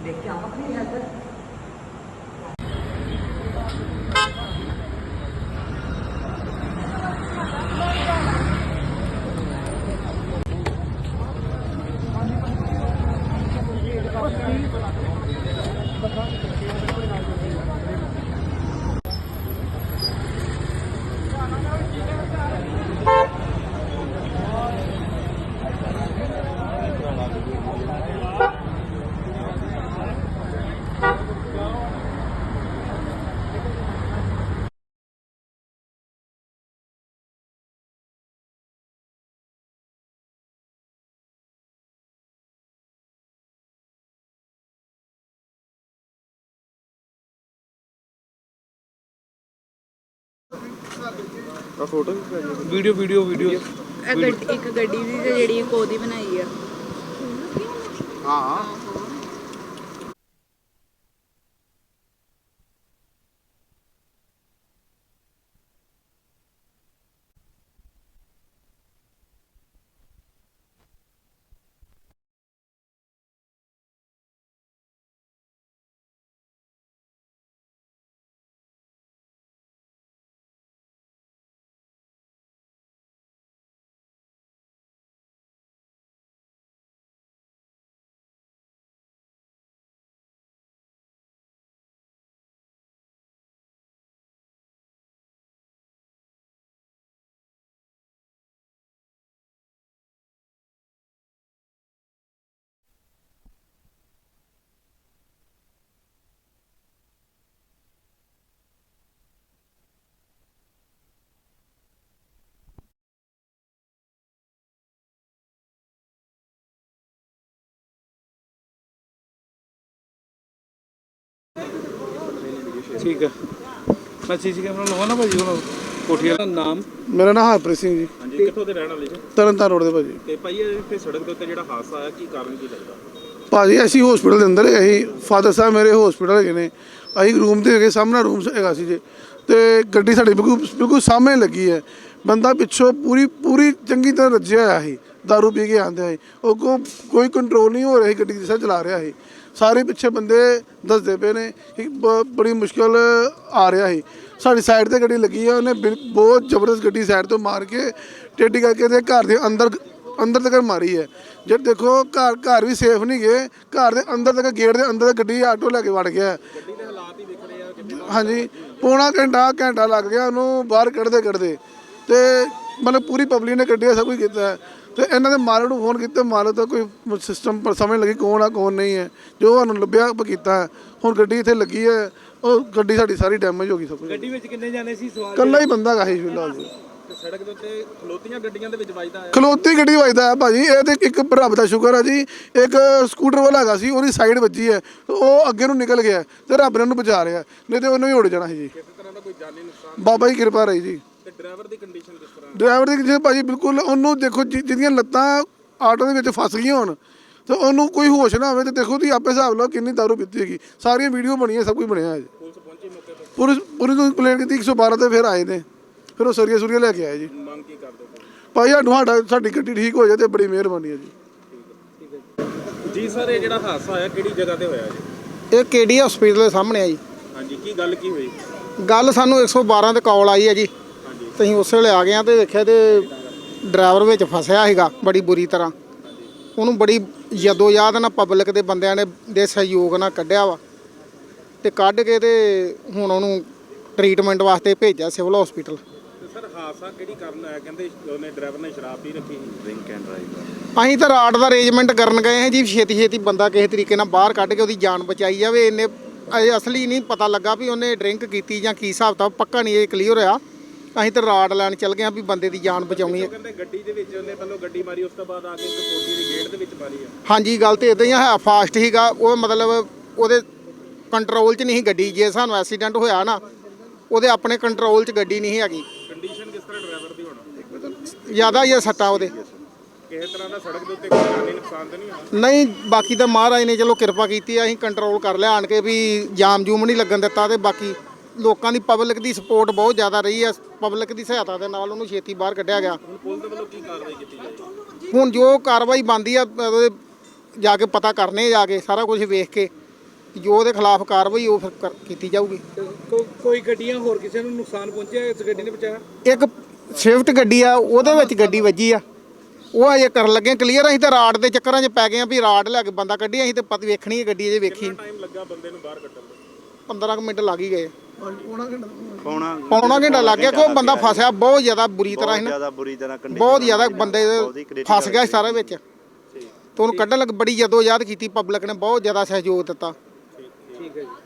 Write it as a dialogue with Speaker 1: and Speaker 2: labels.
Speaker 1: देख के आप अपनी help
Speaker 2: photo video video video
Speaker 3: एक गड्डी दी ते जेह्ड़ी कोदी बनाई है।
Speaker 2: हाँ ठीक है। मैं सीसी कैमरा लवा ना भाजी ਹੁਣ ਕੋਠੀ ਦਾ ਨਾਮ
Speaker 4: ਮੇਰਾ ਨਾਮ ਹਰਪ੍ਰੀਤ ਸਿੰਘ ਜੀ।
Speaker 2: ਹਾਂਜੀ ਕਿੱਥੋਂ ਦੇ ਰਹਿਣ ਵਾਲੇ ਜੀ?
Speaker 4: ਤਰਨਤਾਰਨ ਰੋਡ ਦੇ ਭਾਜੀ।
Speaker 2: ਤੇ ਭਾਈ ਇੱਥੇ ਸੜਕ ਦੇ ਉੱਤੇ ਜਿਹੜਾ ਹਾਦਸਾ ਆਇਆ ਕੀ ਕਾਰਨ ਕੀ ਲੱਗਦਾ?
Speaker 4: ਭਾਜੀ ਅਸੀਂ ਹਸਪੀਟਲ ਦੇ ਅੰਦਰ ਅਸੀਂ ਫਾਦਰ ਸਾਹਿਬ ਮੇਰੇ ਹਸਪੀਟਲ ਹੈਗੇ ਨੇ, ਅਸੀਂ ਰੂਮ ਦੇ ਹੈਗੇ, ਸਾਹਮਣੇ ਰੂਮ ਹੈਗਾ ਸੀ ਜੀ, ਤੇ ਗੱਡੀ ਸਾਡੀ ਬਿਲਕੁਲ ਸਾਹਮਣੇ ਲੱਗੀ ਹੈ। ਬੰਦਾ ਪਿੱਛੋਂ ਪੂਰੀ ਚੰਗੀ ਤਰ੍ਹਾਂ ਰੱਜਿਆ ਹੋਇਆ ਸੀ, ਦਾਰੂ ਪੀ ਕੇ ਆਉਂਦੇ ਸੀ, ਉਹ ਕੋਈ ਕੰਟਰੋਲ ਨਹੀਂ ਹੋ ਰਿਹਾ ਸੀ, ਗੱਡੀ ਜਿਸ ਤਰ੍ਹਾਂ ਚਲਾ ਰਿਹਾ ਸੀ। ਸਾਰੇ ਪਿੱਛੇ ਬੰਦੇ ਦੱਸਦੇ ਪਏ ਨੇ ਕਿ ਬੜੀ ਮੁਸ਼ਕਲ ਆ ਰਿਹਾ ਸੀ। ਸਾਡੀ ਸਾਈਡ 'ਤੇ ਗੱਡੀ ਲੱਗੀ ਹੈ, ਉਹਨੇ ਬਹੁਤ ਜ਼ਬਰਦਸਤ ਗੱਡੀ ਸਾਈਡ ਤੋਂ ਮਾਰ ਕੇ ਟੇਢੀ ਕਰਕੇ ਤੇ ਘਰ ਦੇ ਅੰਦਰ ਤੱਕ ਮਾਰੀ ਹੈ। ਜੇ ਦੇਖੋ ਘਰ ਵੀ ਸੇਫ ਨਹੀਂ ਗਏ, ਘਰ ਦੇ ਅੰਦਰ ਤੱਕ ਗੇਟ ਦੇ ਅੰਦਰ ਗੱਡੀ ਆਟੋ ਲੈ ਕੇ ਵੜ ਗਿਆ।
Speaker 2: ਗੱਡੀ ਦੇ ਹਾਲਾਤ ਹੀ ਦਿਖ ਰਹੇ ਆ।
Speaker 4: ਹਾਂਜੀ ਪੌਣਾ ਘੰਟਾ ਲੱਗ ਗਿਆ ਉਹਨੂੰ ਬਾਹਰ ਕੱਢਦੇ ਤੇ ਮਤਲਬ ਪੂਰੀ ਪਬਲਿਕ ਨੇ ਕੱਢਿਆ, ਸਭ ਕੁਝ ਕੀਤਾ। ਤੇ ਇਹਨਾਂ ਦੇ ਮਾਲਕ ਨੂੰ ਫੋਨ ਕੀਤਾ, ਮਾਲਕ ਦਾ ਕੋਈ ਸਿਸਟਮ ਪਰ ਸਮਝ ਲੱਗੀ ਕੌਣ ਆ ਕੌਣ ਨਹੀਂ ਹੈ, ਜੋ ਸਾਨੂੰ ਲੱਭਿਆ ਆਪਾਂ ਕੀਤਾ। ਹੁਣ ਗੱਡੀ ਇੱਥੇ ਲੱਗੀ ਹੈ, ਉਹ ਗੱਡੀ ਸਾਡੀ ਸਾਰੀ ਡੈਮੇਜ ਹੋ ਗਈ ਸਭ ਕੁਝ।
Speaker 2: ਗੱਡੀ ਵਿੱਚ ਕਿੰਨੇ ਜਾਣੇ ਸੀ ਸਵਾਰ?
Speaker 4: ਇਕੱਲਾ ਹੀ ਬੰਦਾ ਗਾ ਸੀ ਫਿਲਹਾਲ ਜੀ।
Speaker 2: ਤੇ ਸੜਕ ਦੇ ਉੱਤੇ ਖਲੋਤੀਆਂ ਗੱਡੀਆਂ ਦੇ ਵਿੱਚ ਵੱਜਦਾ ਆ? ਖਲੋਤੀ
Speaker 4: ਗੱਡੀ ਵੱਜਦਾ ਹੈ ਭਾਜੀ। ਇਹ ਤੇ ਇੱਕ ਰੱਬ ਦਾ ਸ਼ੁਕਰ ਹੈ ਜੀ, ਇੱਕ ਸਕੂਟਰ ਵਾਲਾ ਹੈਗਾ ਸੀ, ਉਹਦੀ ਸਾਈਡ ਵੱਜੀ ਹੈ, ਉਹ ਅੱਗੇ ਨੂੰ ਨਿਕਲ ਗਿਆ ਤੇ ਰੱਬ ਨੇ ਉਹਨੂੰ ਬਚਾ ਰਿਹਾ, ਨਹੀਂ ਤੇ ਉਹਨੂੰ ਹੀ ਉੜ ਜਾਣਾ ਸੀ ਜੀ।
Speaker 2: ਕਿਸੇ ਤਰ੍ਹਾਂ ਦਾ ਕੋਈ ਜਾਨੀ ਨੁਕਸਾਨ?
Speaker 4: ਬਾਬਾ ਜੀ ਕਿਰਪਾ ਰਹੀ ਜੀ।
Speaker 2: ਤੇ ਡਰਾਈਵਰ ਦੀ ਕੰਡੀਸ਼ਨ ਕਿਸ ਤਰ੍ਹਾਂ?
Speaker 4: ਡਰਾਈਵਰ ਦੀ ਕੰਡੀਸ਼ਨ ਭਾਜੀ ਬਿਲਕੁਲ, ਉਹਨੂੰ ਦੇਖੋ ਜਿਹਦੀਆਂ ਲੱਤਾਂ ਆਟੋ ਦੇ ਵਿੱਚ ਫਸ ਗਈਆਂ ਹੋਣ ਤੇ ਉਹਨੂੰ ਕੋਈ ਹੋਸ਼ ਨਾ ਹੋਵੇ, ਤੇ ਦੇਖੋ ਤੁਸੀਂ ਆਪੇ ਹਿਸਾਬ ਲਓ ਕਿੰਨੀ ਦਾਰੂ ਪੀਤੀ ਹੈਗੀ। ਸਾਰੀਆਂ ਵੀਡੀਓ ਬਣੀਆਂ, ਸਭ ਕੁਝ ਬਣਿਆ ਹੈ ਜੀ।
Speaker 2: ਪੁਲਿਸ ਪਹੁੰਚੀ ਮੌਕੇ ਤੇ?
Speaker 4: ਪੂਰੀ ਤੋਂ ਕੰਪਲੇਂਟ ਕੀਤੀ 112 ਤੇ ਫਿਰ ਆਏ ਨੇ, ਫਿਰ ਉਹ ਸਰੀਆ ਲੈ ਕੇ ਆਏ ਜੀ।
Speaker 2: ਮੰਗ ਕੀ ਕਰਦੇ
Speaker 4: ਭਾਈ ਸਾਡੀ ਗੱਡੀ ਠੀਕ ਹੋ ਜਾਏ ਤੇ ਬੜੀ ਮਿਹਰਬਾਨੀ ਹੈ ਜੀ।
Speaker 2: ਠੀਕ ਹੈ ਜੀ। ਸਰ ਇਹ ਜਿਹੜਾ ਹਾਦਸਾ ਹੋਇਆ ਕਿਹੜੀ ਜਗ੍ਹਾ ਤੇ ਹੋਇਆ ਜੀ?
Speaker 5: ਇਹ ਕੇਡੀ ਹਸਪੀਟਲ ਦੇ ਸਾਹਮਣੇ ਆ ਜੀ।
Speaker 2: ਹਾਂਜੀ ਕੀ ਗੱਲ ਕੀ ਹੋਈ?
Speaker 5: ਗੱਲ ਸਾਨੂੰ 112 ਤੇ ਕਾਲ ਆਈ ਹੈ ਜੀ।
Speaker 2: ਹਾਂਜੀ
Speaker 5: ਤੇ ਅਸੀਂ ਉਸੇ ਵੇਲੇ ਆ ਗਏ ਆ ਤੇ ਦੇਖਿਆ ਤੇ ਡਰਾਈਵਰ ਵਿੱਚ ਫਸਿਆ ਸੀਗਾ ਬੜੀ ਬੁਰੀ ਤਰ੍ਹਾਂ। ਉਹਨੂੰ ਬੜੀ ਯਾਦ ਨਾਲ ਪਬਲਿਕ ਦੇ ਬੰਦਿਆਂ ਨੇ ਦੇ ਸਹਿਯੋਗ ਨਾਲ ਕੱਢਿਆ ਵਾ, ਤੇ ਕੱਢ ਕੇ ਤੇ ਹੁਣ ਉਹਨੂੰ ਟ੍ਰੀਟਮੈਂਟ ਵਾਸਤੇ ਭੇਜਿਆ ਸਿਵਲ ਹਸਪੀਟਲ।
Speaker 2: ਸਰ ਹਾਦਸਾ ਕਿਹੜੀ ਕਾਰਨ ਆਇਆ? ਕਹਿੰਦੇ ਉਹਨੇ ਡਰਾਈਵਰ ਨੇ ਸ਼ਰਾਬ ਪੀ ਰੱਖੀ ਸੀ, ਡਰਿੰਕ ਐਂਡ ਡਰਾਈਵ।
Speaker 5: ਅਸੀਂ ਤਾਂ ਰਾਡ ਦਾ ਅਰੇਂਜਮੈਂਟ ਕਰਨ ਗਏ ਹਾਂ ਜੀ, ਛੇਤੀ ਬੰਦਾ ਕਿਸੇ ਤਰੀਕੇ ਨਾਲ ਬਾਹਰ ਕੱਢ ਕੇ ਉਹਦੀ ਜਾਨ ਬਚਾਈ ਜਾਵੇ। ਇਹਨੇ ਅਜੇ ਅਸਲੀ ਨਹੀਂ ਪਤਾ ਲੱਗਾ ਵੀ ਉਹਨੇ ਡਰਿੰਕ ਕੀਤੀ ਜਾਂ ਕੀ ਹਿਸਾਬ ਤਾਂ ਪੱਕਾ ਨਹੀਂ ਇਹ ਕਲੀਅਰ ਹੋਇਆ। ਅਸੀਂ ਤਾਂ ਰਾਡ ਲੈਣ ਚੱਲ ਗਏ ਹਾਂ ਵੀ ਬੰਦੇ ਦੀ ਜਾਨ ਬਚਾਉਣੀ ਹੈ।
Speaker 2: ਕਹਿੰਦੇ ਗੱਡੀ ਦੇ ਵਿੱਚ ਉਹਨੇ ਪਹਿਲਾਂ ਗੱਡੀ ਮਾਰੀ, ਉਸ ਤੋਂ ਬਾਅਦ ਆ ਕੇ ਇੱਕ ਕੋਠੀ ਦੀ ਗੇਟ ਦੇ ਵਿੱਚ ਮਾਰੀ ਆ।
Speaker 5: ਹਾਂਜੀ ਗੱਲ ਤਾਂ ਇੱਦਾਂ ਹੀ ਹੈ, ਫਾਸਟ ਸੀਗਾ ਉਹ, ਮਤਲਬ ਉਹਦੇ ਕੰਟਰੋਲ 'ਚ ਨਹੀਂ ਸੀ ਗੱਡੀ। ਜੇ ਸਾਨੂੰ ਐਕਸੀਡੈਂਟ ਹੋਇਆ ਨਾ, ਉਹਦੇ ਆਪਣੇ ਕੰਟਰੋਲ 'ਚ ਗੱਡੀ ਨਹੀਂ ਹੈਗੀ।
Speaker 2: ਕੰਡੀਸ਼ਨ ਕਿਸ ਤਰ੍ਹਾਂ ਡਰਾਈਵਰ ਦੀ ਹੋਣਾ?
Speaker 5: ਜ਼ਿਆਦਾ ਹੀ ਸੱਟਾਂ ਉਹਦੇ।
Speaker 2: ਕਿਸੇ ਤਰ੍ਹਾਂ ਦਾ ਸੜਕ ਦੇ ਉੱਤੇ ਕੋਈ ਜਾਨੀ ਨੁਕਸਾਨ ਤਾਂ ਨਹੀਂ ਹੋਇਆ?
Speaker 5: ਨਹੀਂ, ਬਾਕੀ ਤਾਂ ਮਹਾਰਾਜ ਨੇ ਚਲੋ ਕਿਰਪਾ ਕੀਤੀ ਆ, ਅਸੀਂ ਕੰਟਰੋਲ ਕਰ ਲਿਆ ਆਣ ਕੇ ਵੀ ਜਾਮ ਜੂਮ ਨਹੀਂ ਲੱਗਣ ਦਿੱਤਾ। ਤੇ ਬਾਕੀ ਲੋਕਾਂ ਦੀ ਪਬਲਿਕ ਦੀ ਸਪੋਰਟ ਬਹੁਤ ਜ਼ਿਆਦਾ ਰਹੀ ਆ, ਪਬਲਿਕ ਦੀ ਸਹਾਇਤਾ ਦੇ ਨਾਲ ਉਹਨੂੰ ਛੇਤੀ ਬਾਹਰ ਕੱਢਿਆ ਗਿਆ।
Speaker 2: ਹੁਣ ਪੁਲਿਸ ਦੇ ਵੱਲੋਂ ਕੀ ਕਾਰਵਾਈ ਕੀਤੀ ਜਾਏਗੀ?
Speaker 5: ਹੁਣ ਜੋ ਕਾਰਵਾਈ ਬਣਦੀ ਆ ਉਹਦੇ ਜਾ ਕੇ ਪਤਾ ਕਰਨੇ, ਜਾ ਕੇ ਸਾਰਾ ਕੁਝ ਵੇਖ ਕੇ ਜੋ ਉਹਦੇ ਖਿਲਾਫ ਕਾਰਵਾਈ ਉਹ ਫਿਰ ਕੀਤੀ ਜਾਊਗੀ।
Speaker 1: ਕੋਈ ਗੱਡੀਆਂ ਹੋਰ ਕਿਸੇ ਨੂੰ ਨੁਕਸਾਨ ਪਹੁੰਚਿਆ, ਇਸ ਗੱਡੀ ਨੇ ਬਚਾਇਆ?
Speaker 5: ਇੱਕ ਸਵਿਫਟ ਗੱਡੀ ਆ, ਉਹਦੇ ਵਿੱਚ ਗੱਡੀ ਵੱਜੀ ਆ, ਉਹ ਅਜੇ ਕਰਨ ਲੱਗੇ ਕਲੀਅਰ। ਅਸੀਂ ਤਾਂ ਰਾਡ ਦੇ ਚੱਕਰਾਂ 'ਚ ਪੈ ਗਏ ਆ ਵੀ ਰਾਡ ਲੈ ਕੇ ਬੰਦਾ ਕੱਢੀ, ਅਸੀਂ ਤਾਂ ਵੇਖਣੀ ਹੈ ਗੱਡੀ ਅਜੇ ਵੇਖੀ।
Speaker 2: ਟਾਈਮ ਲੱਗਾ ਬੰਦੇ ਨੂੰ ਬਾਹਰ ਕੱਢਣ ਨੂੰ?
Speaker 5: 15 ਕੁ ਮਿੰਟ ਲੱਗ ਹੀ ਗਏ। ਪੌਣਾ ਘੰਟਾ ਲੱਗ ਗਿਆ। ਕੋਈ ਬੰਦਾ ਫਸਿਆ ਬਹੁਤ ਜ਼ਿਆਦਾ ਬੁਰੀ ਤਰ੍ਹਾਂ ਸੀ ਨਾ, ਬਹੁਤ ਜ਼ਿਆਦਾ ਬੰਦੇ ਫਸ ਗਿਆ ਸਾਰੇ ਵਿੱਚ। ਤੇ ਉਹਨੂੰ ਕੱਢਣ ਲੱਗ ਬੜੀ ਜਦੋਜਹਿਦ ਕੀਤੀ, ਪਬਲਿਕ ਨੇ ਬਹੁਤ ਜ਼ਿਆਦਾ ਸਹਿਯੋਗ ਦਿੱਤਾ।
Speaker 1: ਠੀਕ ਹੈ ਜੀ।